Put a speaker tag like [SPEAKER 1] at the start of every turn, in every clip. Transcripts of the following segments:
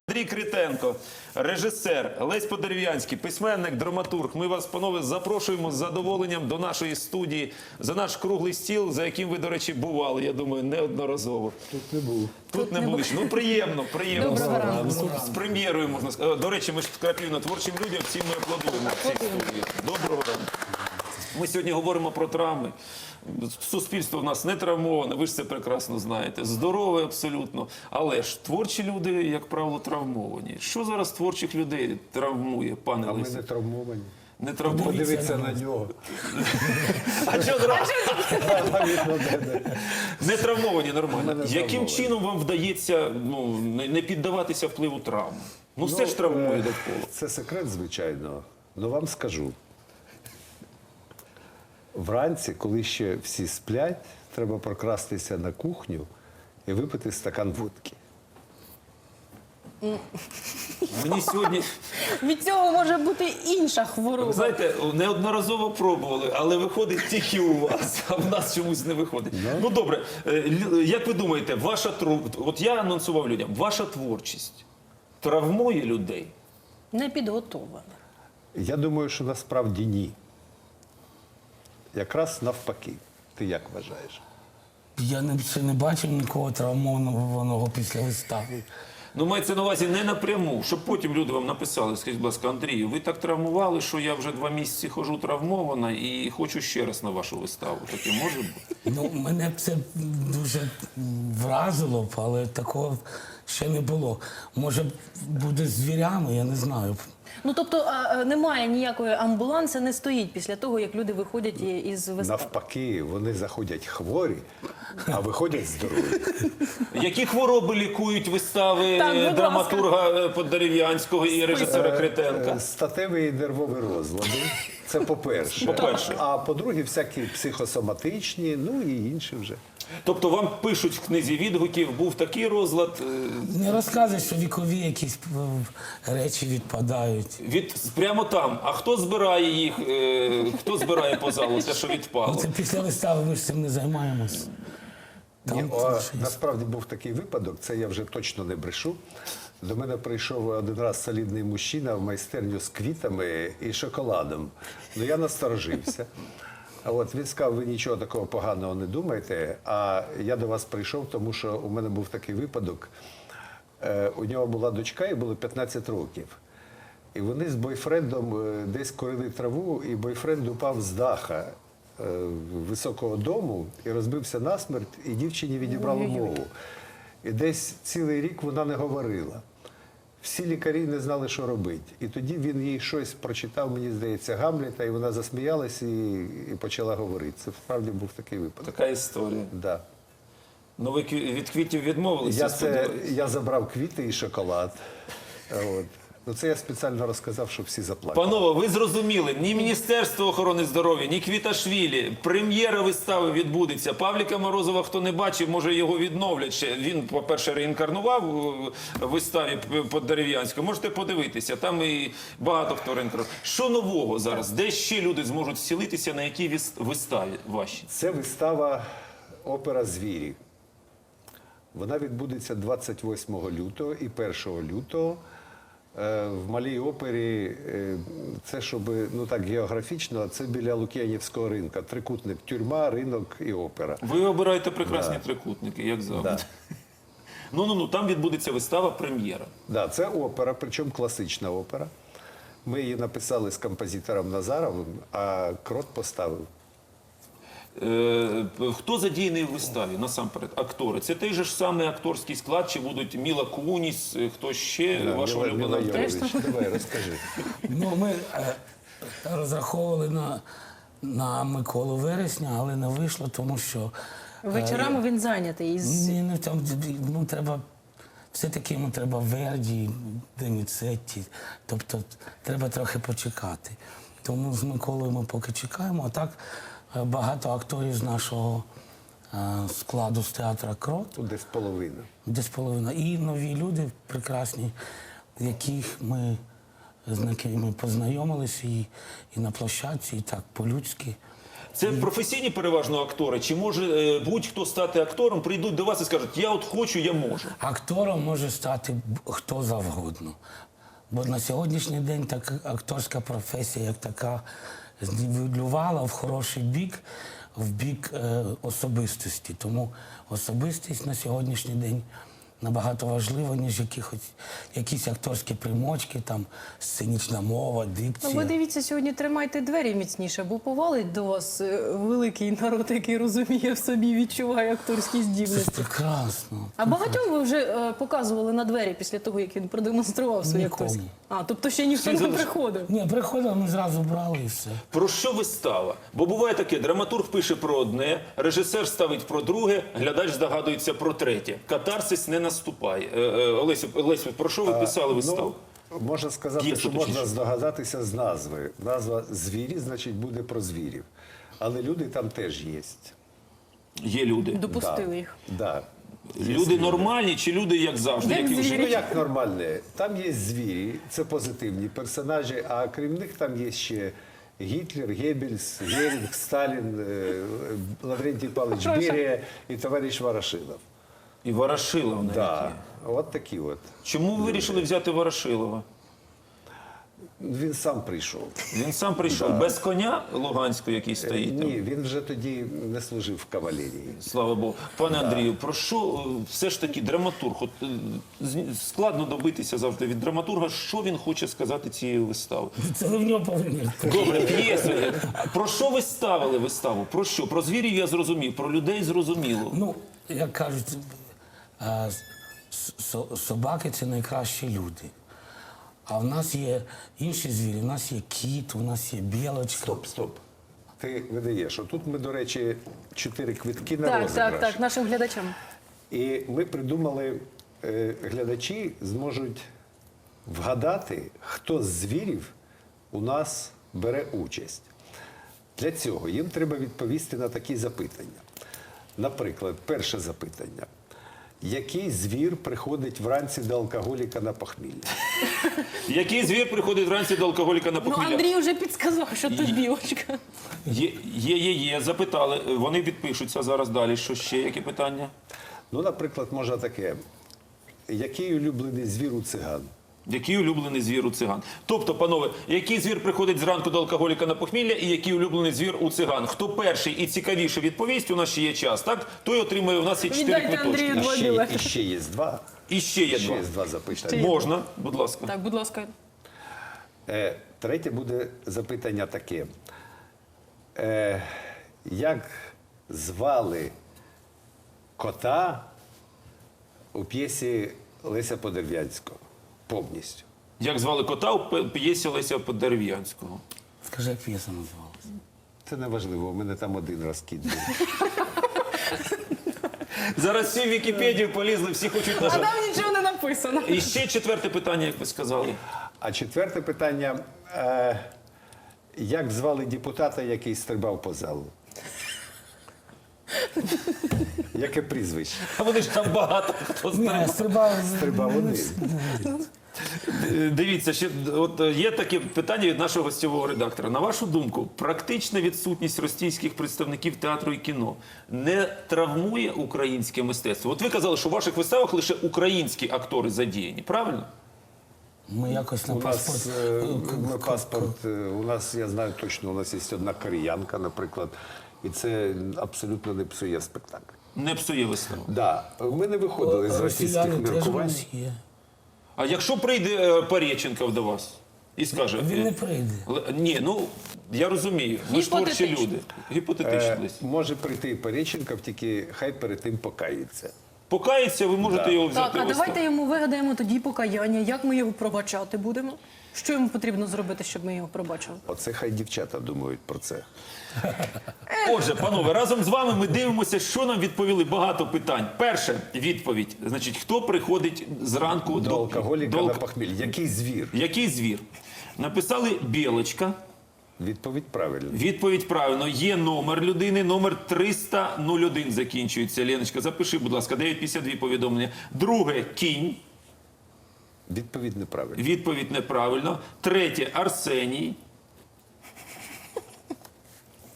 [SPEAKER 1] Андрій Критенко, режисер, Лесь Подерев'янський, письменник, драматург. Ми вас, панове, запрошуємо з задоволенням до нашої студії за наш круглий стіл, за яким ви, до речі, бували, я думаю, неодноразово.
[SPEAKER 2] Тут не був.
[SPEAKER 1] Тут не були. Ну, приємно.
[SPEAKER 3] Доброго ранку.
[SPEAKER 1] З прем'єрою, можна сказати. До речі, ми ж Крапівна творчим людям, всім ми аплодуємо в цій студії. Доброго ранку. Ми сьогодні говоримо про травми. Суспільство в нас не травмоване, ви ж це прекрасно знаєте. Здорове абсолютно. Але ж творчі люди, як правило, травмовані. Що зараз творчих людей травмує, пане
[SPEAKER 2] А ми
[SPEAKER 1] Лесі?
[SPEAKER 2] не травмовані.
[SPEAKER 1] Не травмовані.
[SPEAKER 2] Подивіться на нього.
[SPEAKER 1] А що зразу? Не травмовані,
[SPEAKER 2] Ми
[SPEAKER 1] нормально.
[SPEAKER 2] не
[SPEAKER 1] Яким
[SPEAKER 2] травмовані.
[SPEAKER 1] чином вам вдається не піддаватися впливу травм? Ну, все ж травмує довкола.
[SPEAKER 2] Це секрет, звичайно. Но вам скажу. Вранці, коли ще всі сплять, треба прокрастися на кухню і випити стакан водки.
[SPEAKER 1] Мені сьогодні...
[SPEAKER 3] Від цього може бути інша
[SPEAKER 1] Ви
[SPEAKER 3] хвороба.
[SPEAKER 1] знаєте, неодноразово пробували, але виходить тільки у вас, а в нас чомусь не виходить. Ну добре, як ви думаєте, от я анонсував людям, ваша творчість травмує людей?
[SPEAKER 3] Не підготовлена.
[SPEAKER 2] Я думаю, що насправді ні. Якраз навпаки. Ти як вважаєш?
[SPEAKER 4] Я ще не бачив нікого травмованого після вистави.
[SPEAKER 1] Ну, мається на увазі не напряму, щоб потім люди вам написали, скажіть, будь ласка, Андрію, ви так травмували, що я вже 2 місяці ходжу травмована і хочу ще раз на вашу виставу. Таке може бути?
[SPEAKER 4] Ну, мене б це дуже вразило б, але такого ще не було. Може, буде з звірями, я не знаю.
[SPEAKER 3] Ну, тобто, немає ніякої амбуланси, не стоїть після того, як люди виходять із вистави.
[SPEAKER 2] Навпаки, вони заходять хворі, а виходять здорові.
[SPEAKER 1] Які хвороби лікують вистави
[SPEAKER 3] Так, будь
[SPEAKER 1] драматурга Подерев'янського і режисера Критенка?
[SPEAKER 2] Статеві і нервові розлади. Це по-перше.
[SPEAKER 1] По-перше.
[SPEAKER 2] А по-друге, всякі психосоматичні, ну і інші вже.
[SPEAKER 1] Тобто вам пишуть в книзі відгуків, був такий розлад,
[SPEAKER 4] Не розказуй, що вікові якісь речі відпадають.
[SPEAKER 1] прямо там. А хто збирає їх, хто збирає по залу те, що
[SPEAKER 4] Ну,
[SPEAKER 1] відпало?
[SPEAKER 4] це після вистави, ми ж цим не займаємось.
[SPEAKER 2] Ні,
[SPEAKER 4] Там це ж є.
[SPEAKER 2] насправді був такий випадок, це я вже точно не брешу. До мене прийшов один раз солідний мужчина в майстерню з квітами і шоколадом. Ну я насторожився. А от він сказав, ви нічого такого поганого не думаєте, а я до вас прийшов, тому що у мене був такий випадок. У нього була дочка, їй було 15 років. І вони з бойфрендом десь курили траву, і бойфренд упав з даха високого дому і розбився насмерть, і дівчині відібрало мову. І десь цілий рік вона не говорила. Всі лікарі не знали, що робити. І тоді він їй щось прочитав, мені здається, Гамлета, і вона засміялась і почала говорити. Це справді був такий випадок.
[SPEAKER 1] Така історія.
[SPEAKER 2] Да.
[SPEAKER 1] Ну ви від квітів відмовилися? сподіваюся?
[SPEAKER 2] Я забрав квіти і шоколад. От. Ну, це я спеціально розказав, щоб всі заплакали.
[SPEAKER 1] Панове, ви зрозуміли, ні Міністерство охорони здоров'я, ні Квіташвілі, прем'єра вистави відбудеться. Павліка Морозова, хто не бачив, може його відновлять ще. Він, по-перше, реінкарнував у виставі Подерев'янського. Можете подивитися, там і багато хто реінкарнував. Що нового зараз? Де ще люди зможуть зцілитися, на якій виставі вашій?
[SPEAKER 2] Це вистава «Опера «Звірі». Вона відбудеться 28 лютого і 1 лютого. В Малій опері, це щоб, ну так, географічно, це біля Лук'янівського ринка. Трикутник, тюрма, ринок і опера.
[SPEAKER 1] Ви обираєте прекрасні трикутники, як завжди.
[SPEAKER 2] Да.
[SPEAKER 1] Ну, там відбудеться вистава, прем'єра.
[SPEAKER 2] Да, це опера, причому класична опера. Ми її написали з композитором Назаровим, а Крот поставив.
[SPEAKER 1] Хто задіяний в виставі, насамперед? Актори. Це той же ж самий акторський склад, чи будуть Міла Куніс, хто ще, ваша
[SPEAKER 2] Міла
[SPEAKER 1] улюблена актриса?
[SPEAKER 2] Йовович, давай, розкажи.
[SPEAKER 4] Ну, ми розраховували на Миколу Вересня, але не вийшло, тому що...
[SPEAKER 3] Вечорами він зайнятий із...
[SPEAKER 4] Ні, ну, там, ну, треба... Все-таки йому треба Верді, Деніцетті, тобто треба трохи почекати. Тому з Миколою ми поки чекаємо, а так багато акторів з нашого складу з театру «Крот»,
[SPEAKER 2] Тут десь половина.
[SPEAKER 4] десь половина, і нові люди прекрасні, з якими познайомилися і на площадці, і так по-людськи.
[SPEAKER 1] Це професійні переважно актори? Чи може будь-хто стати актором, прийдуть до вас і скажуть, я от хочу, я можу?
[SPEAKER 4] Актором може стати хто завгодно. Бо на сьогоднішній день так акторська професія як така знівелювала в хороший бік, в бік особистості. Тому особистість на сьогоднішній день набагато важлива, ніж якісь акторські примочки, там, сценічна мова,
[SPEAKER 3] Ну,
[SPEAKER 4] дикція.
[SPEAKER 3] ви дивіться, сьогодні тримайте двері міцніше, бо повалить до вас великий народ, який розуміє в собі, відчуває акторські
[SPEAKER 4] Це ж
[SPEAKER 3] здібності.
[SPEAKER 4] прекрасно.
[SPEAKER 3] А багатьом ви вже показували на двері після того, як він продемонстрував свої
[SPEAKER 4] Нікому.
[SPEAKER 3] акторські? А, тобто ще ніхто
[SPEAKER 1] Всі
[SPEAKER 3] не
[SPEAKER 1] залиш-
[SPEAKER 3] приходив?
[SPEAKER 4] Ні, приходили, ми зразу брали і все.
[SPEAKER 1] Про що вистава? Бо буває таке, драматург пише про одне, режисер ставить про друге, глядач здогадується про третє. Катарсис не наступає. Олесю, про що ви писали виставу?
[SPEAKER 2] Ну, можна сказати,
[SPEAKER 1] П'єсу,
[SPEAKER 2] що можна
[SPEAKER 1] точніше.
[SPEAKER 2] здогадатися з назви. Назва «Звірі», значить, буде про звірів. Але люди там теж є.
[SPEAKER 1] Є люди.
[SPEAKER 3] Допустили їх.
[SPEAKER 2] Да.
[SPEAKER 1] Люди нормальні чи люди, як завжди,
[SPEAKER 3] Як
[SPEAKER 1] які в
[SPEAKER 3] звірі.
[SPEAKER 2] Ну
[SPEAKER 1] житті?
[SPEAKER 2] як нормальне? Там є звірі, це позитивні персонажі, а крім них там є ще Гітлер, Геббельс, Герінг, Сталін, Лаврентій Павлович Берія і товариш Ворошилов.
[SPEAKER 1] І Ворошилов навіть
[SPEAKER 2] Да.
[SPEAKER 1] є.
[SPEAKER 2] От такі от.
[SPEAKER 1] Чому ви вирішили взяти Ворошилова?
[SPEAKER 2] Він сам прийшов.
[SPEAKER 1] Він сам прийшов без коня Луганського, який стоїть там.
[SPEAKER 2] Ні, він вже тоді не служив в кавалерії.
[SPEAKER 1] Слава Богу. Пане Андрію, про що все ж таки драматург? От, складно добитися завжди від драматурга, що він хоче сказати цією виставою.
[SPEAKER 4] Це ви в нього повинні.
[SPEAKER 1] Добре, п'єсу. Про що ви ставили виставу? Про що? Про звірів я зрозумів, про людей зрозуміло.
[SPEAKER 4] Ну, як кажуть, собаки це найкращі люди. А в нас є інші звірі, у нас є кіт, у нас є білочка.
[SPEAKER 2] Стоп. Ти видаєш. Отут ми, до речі, 4 квитки на
[SPEAKER 3] Так,
[SPEAKER 2] розіграш.
[SPEAKER 3] так, нашим глядачам.
[SPEAKER 2] І ми придумали, глядачі зможуть вгадати, хто з звірів у нас бере участь. Для цього їм треба відповісти на такі запитання. Наприклад, перше запитання. Який звір приходить вранці до алкоголіка на похмілля?
[SPEAKER 1] Який звір приходить вранці до алкоголіка на
[SPEAKER 3] Ну,
[SPEAKER 1] похмілля?
[SPEAKER 3] Андрій вже підсказав, що то білочка.
[SPEAKER 1] Є, запитали. Вони підпишуться зараз далі. Що ще? Які питання?
[SPEAKER 2] Ну, наприклад, можна таке. Який улюблений звір у циган?
[SPEAKER 1] Який улюблений звір у циган? Тобто, панове, який звір приходить зранку до алкоголіка на похмілля і який улюблений звір у циган? Хто перший і цікавіше відповість, у нас ще є час, так? Той отримує, у нас є 4
[SPEAKER 3] Віддайте
[SPEAKER 1] квиточки.
[SPEAKER 3] Андрію два білети.
[SPEAKER 2] І ще є два.
[SPEAKER 1] І ще є
[SPEAKER 2] Ще
[SPEAKER 1] два.
[SPEAKER 2] є два запитання.
[SPEAKER 1] Можна, будь ласка.
[SPEAKER 3] Так, будь ласка.
[SPEAKER 2] Третє буде запитання таке. Як звали кота у п'єсі Леся Подерв'янського? Повністю.
[SPEAKER 1] Як звали кота у п'єсі Леся Подерев'янського?
[SPEAKER 4] Скажи, як п'єса називалася?
[SPEAKER 2] Це не важливо, у мене там один розкид був.
[SPEAKER 1] Зараз всі в Вікіпедію полізли, всі хочуть
[SPEAKER 3] А
[SPEAKER 1] нажати.
[SPEAKER 3] там нічого не написано.
[SPEAKER 1] І ще 4 питання, як ви сказали.
[SPEAKER 2] А четверте питання. Як звали депутата, який стрибав по залу? Яке прізвище?
[SPEAKER 1] А вони ж там багато хто знає.
[SPEAKER 4] Ні, стрибав.
[SPEAKER 2] Стрибав один.
[SPEAKER 1] Дивіться, ще от є таке питання від нашого гостьового редактора. На вашу думку, практична відсутність російських представників театру і кіно не травмує українське мистецтво? От ви казали, що в ваших виставах лише українські актори задіяні, правильно?
[SPEAKER 4] Ми якось на
[SPEAKER 2] У нас,
[SPEAKER 4] паспорт.
[SPEAKER 2] у нас, я знаю точно, у нас є одна кореянка, наприклад, і це абсолютно не псує спектакль.
[SPEAKER 1] Не псує виставу.
[SPEAKER 2] Да. Ми не виходили з російських
[SPEAKER 4] Росіяни теж у
[SPEAKER 2] міркувань.
[SPEAKER 4] нас є.
[SPEAKER 1] А якщо прийде Пореченков до вас і скаже...
[SPEAKER 4] Він не прийде.
[SPEAKER 1] Ні, ну, я розумію, ви ж творчі
[SPEAKER 3] Гіпотетично.
[SPEAKER 1] люди. Гіпотетично десь.
[SPEAKER 2] Може прийти і Пореченков, тільки хай перед тим покається.
[SPEAKER 1] Покається, ви можете його взяти
[SPEAKER 3] Так, а
[SPEAKER 1] в виставу.
[SPEAKER 3] давайте йому вигадаємо тоді покаяння. Як ми його пробачати будемо? Що йому потрібно зробити, щоб ми його пробачили?
[SPEAKER 2] Оце хай дівчата думають про це.
[SPEAKER 1] Отже, панове, разом з вами ми дивимося, що нам відповіли. Багато питань. Перша відповідь. Значить, хто приходить зранку
[SPEAKER 2] До алкоголіка
[SPEAKER 1] до
[SPEAKER 2] на похміль. Який звір?
[SPEAKER 1] Який звір? Написали білочка.
[SPEAKER 2] Відповідь правильна.
[SPEAKER 1] Відповідь правильно. Є номер людини, номер 300-01 закінчується. Леночка, запиши, будь ласка, 952 повідомлення. Друге – кінь.
[SPEAKER 2] Відповідь неправильна.
[SPEAKER 1] Відповідь неправильно. Третє – Арсеній.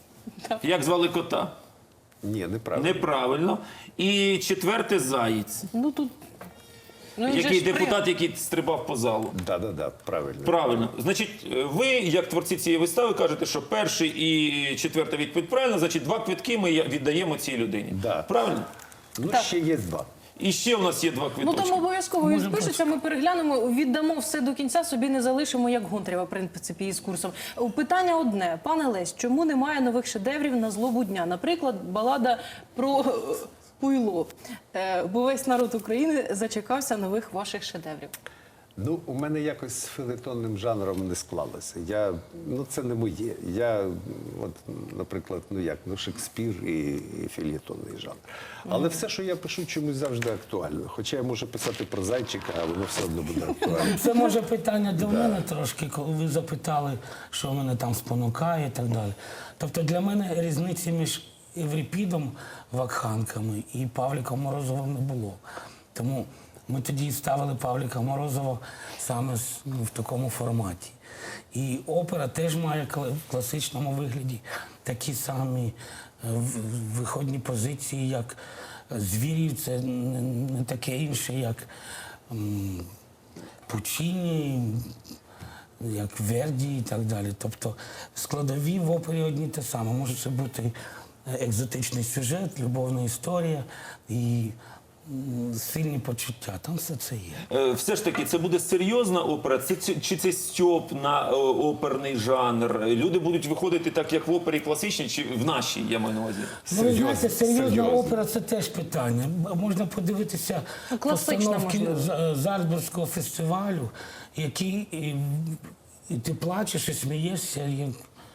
[SPEAKER 1] Як звали кота?
[SPEAKER 2] Ні, неправильно.
[SPEAKER 1] Неправильно. І четверте Заєць.
[SPEAKER 3] Ну тут. Ну, він же
[SPEAKER 1] Який
[SPEAKER 3] ж
[SPEAKER 1] депутат, який стрибав по залу.
[SPEAKER 2] Да, правильно.
[SPEAKER 1] Правильно. Значить, ви, як творці цієї вистави, кажете, що перший і четверта відповідь правильно, значить, 2 квитки ми віддаємо цій людині.
[SPEAKER 2] Да.
[SPEAKER 1] Правильно?
[SPEAKER 2] Ну,
[SPEAKER 3] Так.
[SPEAKER 2] ще є 2.
[SPEAKER 1] І ще у нас є 2
[SPEAKER 3] Ну
[SPEAKER 1] квиточки.
[SPEAKER 3] там обов'язково він спишеться, ми переглянемо, віддамо все до кінця, собі не залишимо, як Гонтарєва, в принципі, із курсом. Питання одне. Пане Лесь, чому немає нових шедеврів на злобу дня? Наприклад, балада про Пуйло. Бо весь народ України зачекався нових ваших шедеврів.
[SPEAKER 2] Ну, у мене якось з фелетонним жанром не склалося. Це не моє. Я, наприклад, Шекспір і фельєтонний жанр. Але все, що я пишу, чомусь завжди актуально. Хоча я можу писати про зайчика, а воно все одно буде актуально.
[SPEAKER 4] Це може питання до мене трошки, коли ви запитали, що мене там спонукає і так далі. Тобто для мене різниці між Еврипідом Вакханками і Павліком Морозовим не було. Тому ми тоді ставили Павліка Морозова саме в такому форматі. І опера теж має в класичному вигляді такі самі виходні позиції, як Звірів, це не таке інше, як Пучіні, як Верді і так далі. Тобто складові в опері одні те саме. Може це бути екзотичний сюжет, любовна історія і сильні почуття. Там все це є.
[SPEAKER 1] Все ж таки, це буде серйозна опера? Чи це стьоп на оперний жанр? Люди будуть виходити так, як в опері класичній, чи в нашій, я маю на увазі?
[SPEAKER 4] Ну, ви знаєте, серйозна
[SPEAKER 2] серйозно.
[SPEAKER 4] опера – це теж питання. Можна подивитися
[SPEAKER 3] класична,
[SPEAKER 4] постановки
[SPEAKER 3] можливо.
[SPEAKER 4] Зальцбурзького фестивалю, які і ти плачеш, і смієшся. І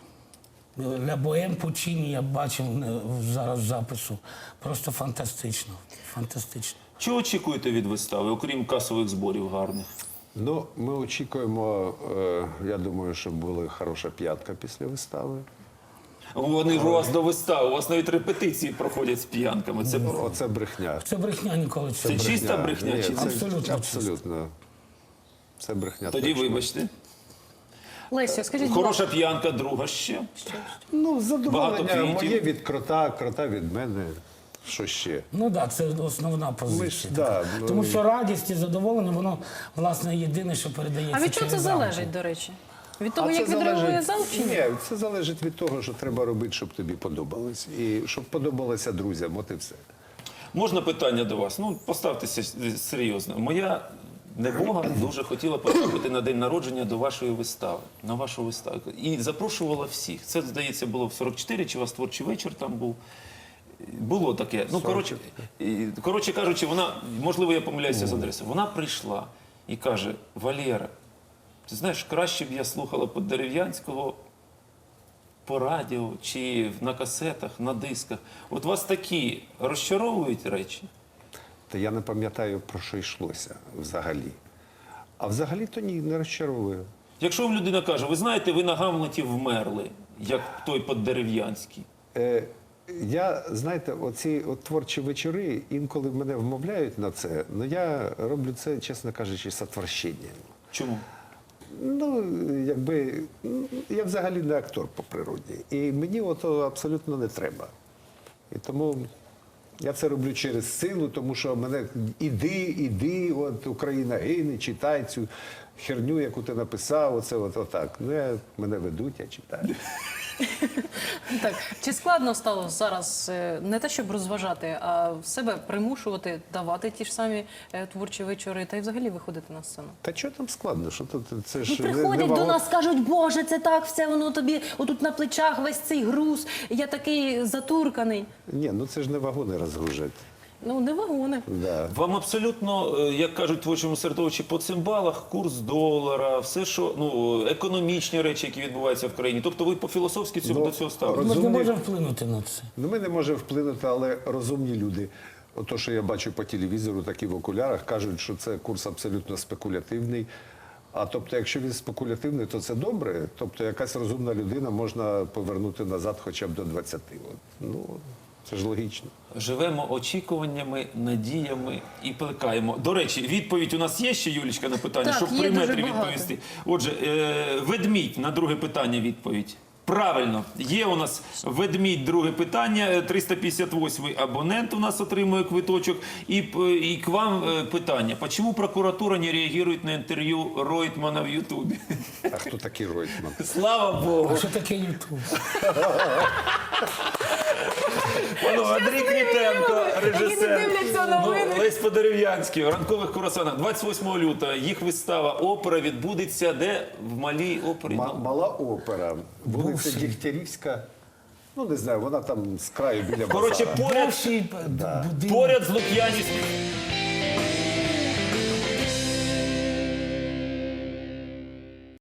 [SPEAKER 4] Ля Боем Пучіні я бачив зараз запису. Просто фантастично. Фантастично.
[SPEAKER 1] Чого очікуєте від вистави, окрім касових зборів гарних?
[SPEAKER 2] Ну, ми очікуємо, я думаю, щоб була хороша п'ятка після вистави.
[SPEAKER 1] Вони ж у вас до вистави, у вас навіть репетиції проходять з п'янками.
[SPEAKER 2] Оце брехня.
[SPEAKER 4] Це брехня ніколи.
[SPEAKER 1] Це чиста брехня?
[SPEAKER 2] Ні,
[SPEAKER 1] Чи
[SPEAKER 2] це
[SPEAKER 1] це...
[SPEAKER 4] Абсолютно
[SPEAKER 2] абсолютно. Це брехня.
[SPEAKER 1] Тоді
[SPEAKER 2] точно.
[SPEAKER 1] вибачте.
[SPEAKER 3] Лесю, скажіть, будь
[SPEAKER 1] Хороша
[SPEAKER 3] ласка,
[SPEAKER 1] п'янка, друга ще.
[SPEAKER 2] Ну,
[SPEAKER 1] Багато
[SPEAKER 2] задоволення
[SPEAKER 1] квітів.
[SPEAKER 2] моє від крота, крота від мене. Що ще?
[SPEAKER 4] Ну так, це основна позиція.
[SPEAKER 2] да,
[SPEAKER 4] така.
[SPEAKER 2] ну,
[SPEAKER 4] Тому що радість і задоволення, воно, власне, єдине, що передається
[SPEAKER 3] а від чого це
[SPEAKER 4] через
[SPEAKER 3] залежить,
[SPEAKER 4] аудіо.
[SPEAKER 3] до речі? Від того,
[SPEAKER 2] А
[SPEAKER 3] як
[SPEAKER 2] це
[SPEAKER 3] відреагує
[SPEAKER 2] залежить-
[SPEAKER 3] зал чи ні?
[SPEAKER 2] Ні, це залежить від того, що треба робити, щоб тобі подобалось. І щоб подобалося друзям, от і все.
[SPEAKER 1] Можна питання до вас? Ну, поставтеся серйозно. Моя небога дуже хотіла потрапити на день народження до вашої вистави, на вашу виставу. І запрошувала всіх. Це, здається, було в 44, чи у вас творчий вечір там був. Було таке. Ну, коротше кажучи, вона, можливо, я помиляюся з адресою, вона прийшла і каже: Валера, ти знаєш, краще б я слухала Поддерев'янського по радіо чи на касетах, на дисках. От вас такі розчаровують речі?
[SPEAKER 2] Та я не пам'ятаю, про що йшлося взагалі. А взагалі то ні, не розчаровую.
[SPEAKER 1] Якщо вам людина каже, ви знаєте, ви на Гамлеті вмерли, як той Поддерев'янський.
[SPEAKER 2] Я, знаєте, оці творчі вечори, інколи мене вмовляють на це, але я роблю це, чесно кажучи, з отвращенням.
[SPEAKER 1] Чому?
[SPEAKER 2] Ну, я взагалі не актор по природі. І мені ото абсолютно не треба. І тому я це роблю через силу, тому що мене іди, от Україна гине, читай цю херню, яку ти написав, оце отак. Ну, мене ведуть, я читаю.
[SPEAKER 3] Так, чи складно стало зараз не те, щоб розважати, а себе примушувати давати ті ж самі творчі вечори та й взагалі виходити на сцену?
[SPEAKER 2] Та що там складно? Що тут, це
[SPEAKER 3] Ну,
[SPEAKER 2] ж
[SPEAKER 3] приходять до
[SPEAKER 2] вагон-
[SPEAKER 3] нас, кажуть, Боже, це так, все воно тобі отут на плечах, весь цей груз, я такий затурканий.
[SPEAKER 2] Ні, ну це ж не вагони розгружать.
[SPEAKER 3] Ну, не вагони.
[SPEAKER 2] Да.
[SPEAKER 1] Вам абсолютно, як кажуть в творчому середовищі, по цимбалах, курс долара, все, що, ну, економічні речі, які відбуваються в країні. Тобто ви по-філософськи
[SPEAKER 2] Ну,
[SPEAKER 1] до цього ставите?
[SPEAKER 4] Ми ж не
[SPEAKER 2] Розумні-
[SPEAKER 4] можемо вплинути на це.
[SPEAKER 2] Ну, ми не можемо вплинути, але розумні люди. Ото, що я бачу по телевізору, такі в окулярах, кажуть, що це курс абсолютно спекулятивний. А тобто, якщо він спекулятивний, то це добре. Тобто, якась розумна людина можна повернути назад хоча б до 20. От. Ну, це ж логічно.
[SPEAKER 1] Живемо очікуваннями, надіями і плекаємо. До речі, відповідь у нас є ще, Юлічка, на питання,
[SPEAKER 3] Так,
[SPEAKER 1] щоб
[SPEAKER 3] є
[SPEAKER 1] при
[SPEAKER 3] дуже
[SPEAKER 1] метрі
[SPEAKER 3] багато.
[SPEAKER 1] відповісти. Отже, ведмідь на друге питання відповідь. Правильно, є у нас ведмідь, друге питання, 358-й абонент у нас отримує квиточок. І к вам питання. Чому прокуратура не реагує на інтерв'ю Ройтмана в Ютубі?
[SPEAKER 2] А хто такий Ройтман?
[SPEAKER 1] Слава Богу!
[SPEAKER 4] А що таке Ютуб?
[SPEAKER 1] Андрій Квітенко, режисер.
[SPEAKER 3] дивляться новини.
[SPEAKER 1] Лесь Подерев'янський, в ранкових курасанах. 28 лютого їх вистава «Опера» відбудеться де? В Малій опері.
[SPEAKER 2] Мала опера, вулиця
[SPEAKER 4] Бувший.
[SPEAKER 2] Дігтярівська. Ну, не знаю, вона там з краю біля базара.
[SPEAKER 1] Коротше,
[SPEAKER 4] Бувший будинок.
[SPEAKER 1] поряд з Лук'янівським.